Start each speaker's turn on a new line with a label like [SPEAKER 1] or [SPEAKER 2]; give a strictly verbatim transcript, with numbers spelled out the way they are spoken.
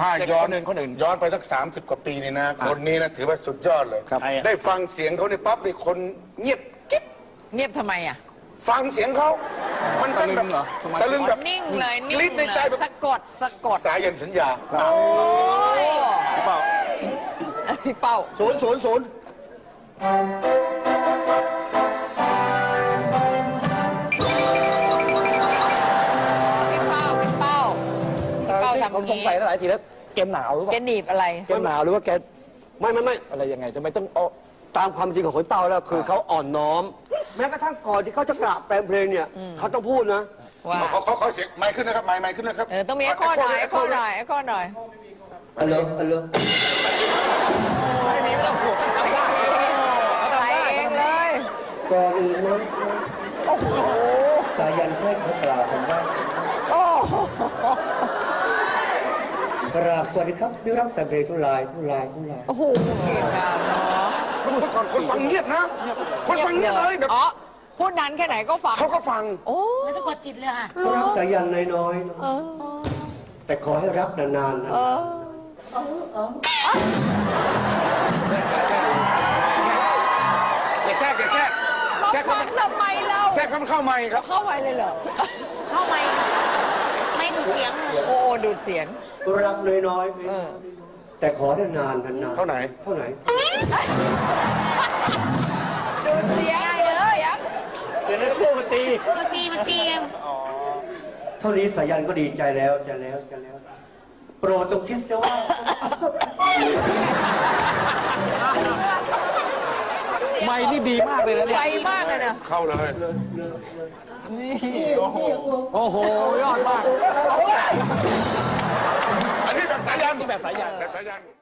[SPEAKER 1] ถ้าย้อน
[SPEAKER 2] คนอื่นคนอื่น
[SPEAKER 1] ย้อนไปสักสามสิบกว่าปีนี่นะคนนี้นะถือว่าสุดยอดเลย
[SPEAKER 2] ครับ
[SPEAKER 1] ได้ฟังเสียงเขาในปั๊บนี่คนเงียบกิ๊บ
[SPEAKER 3] เงียบทำไมอ่ะ
[SPEAKER 1] ฟังเสียงเขามันจังแบบ
[SPEAKER 2] ตะลึงเหรอสมาธิ
[SPEAKER 1] ตะลึงแบบ
[SPEAKER 3] นิ่งเลยนิ่
[SPEAKER 1] กรี๊
[SPEAKER 3] ง
[SPEAKER 1] ด
[SPEAKER 3] เล
[SPEAKER 1] ใน
[SPEAKER 3] ย
[SPEAKER 1] ใจแบบ
[SPEAKER 3] สะกดสะกด
[SPEAKER 1] สายันสัญญา
[SPEAKER 3] โอ้ย
[SPEAKER 2] พี่เป้า
[SPEAKER 3] พี่เป้า
[SPEAKER 2] ศูนย์ศูนย์ศูนย์
[SPEAKER 3] พี่เป้าพี่เป้าพี่เป้าทำอ
[SPEAKER 2] ผม
[SPEAKER 3] ย่าง
[SPEAKER 2] สงสัย
[SPEAKER 3] นี้
[SPEAKER 2] หลายทีแล้วแกหนาวหรือเป
[SPEAKER 3] แก
[SPEAKER 2] ล่า
[SPEAKER 3] หนีบอะไร
[SPEAKER 2] แกหนาวหรือว่าแก
[SPEAKER 4] ไม่ไม่ไม่
[SPEAKER 2] อะไรยังไงทำไมต้องเอา
[SPEAKER 4] ตามความจริงของคนเป้าแล้วคือเขาอ่อนน้อม แม้กระทั่งก่อนที่เขาจะกราบแปลงเพลงเนี่ยเขาต้องพูดนะ
[SPEAKER 3] ว่า
[SPEAKER 1] เขาเขาเขาเสียงไมค์ขึ้นนะครับไมค์ไมค์ขึ้นนะครับ
[SPEAKER 3] เออต้องมีไอ้ข้อหน่อยไอ้ข้อหน่อยไอ้ข้อหน่อย
[SPEAKER 4] อัลโหลอัลโหล
[SPEAKER 2] ไม่มีไม่ต้องผูกก็ทำได้
[SPEAKER 3] ใส่เองเลย
[SPEAKER 4] ก่อนอื่นนะสายันเพื่อนเขากล่าวคำว่า
[SPEAKER 3] โอ้โห
[SPEAKER 4] กราบสวัสดีครับนิรักแฟนเพลงทุลายทุลายทุลาย
[SPEAKER 3] โอ้โหเก่งอ่ะเนาะ
[SPEAKER 1] เมื่อก่อนคนฟังเงียบนะ คนฟังเงียบเลยแบบ
[SPEAKER 3] อ๋อพูดนั้นแค่ไหนก็ฟัง
[SPEAKER 1] เขาก็ฟัง
[SPEAKER 3] โอ้
[SPEAKER 5] มันสะกดจิตเลยค่ะ
[SPEAKER 4] รักสายันน้อยๆนะ
[SPEAKER 3] เออ
[SPEAKER 4] แต่ขอให้รักนานๆนะ
[SPEAKER 3] เออ
[SPEAKER 1] อย่าแทรกอย่าแทรก
[SPEAKER 3] มา
[SPEAKER 1] แทรก
[SPEAKER 3] ฟังทำไมเรา
[SPEAKER 1] แทรกมันเข้าไมค์ครับ
[SPEAKER 3] เข้าไปเลยเหรอ
[SPEAKER 5] เข้าไม่ไม่ดูเสียงเลย
[SPEAKER 3] โอ้โหดูดเสียง
[SPEAKER 4] รักน้อย
[SPEAKER 3] เออ
[SPEAKER 4] ๆแต่ขอให้นานๆนานๆ
[SPEAKER 1] เท่าไหน
[SPEAKER 4] เท่าไหน
[SPEAKER 3] ดูดเสียงดูดเสียง
[SPEAKER 2] เสียงในเครื่องมันตี
[SPEAKER 5] มันตีมันตี
[SPEAKER 4] เท่านี้สายันก็ดีใจแล้วจะแล้วจะแล้ว โปรดจงคิดเสียว่า
[SPEAKER 2] ไม่นี่ดีมากเลยนะเนี่
[SPEAKER 3] ไวย มากเลยนะ
[SPEAKER 1] เข้าเลย
[SPEAKER 2] โอ้โหยอดมาก
[SPEAKER 1] อันนี้แบบสายัน
[SPEAKER 2] นี่แบบสายัน
[SPEAKER 1] แบบสายัน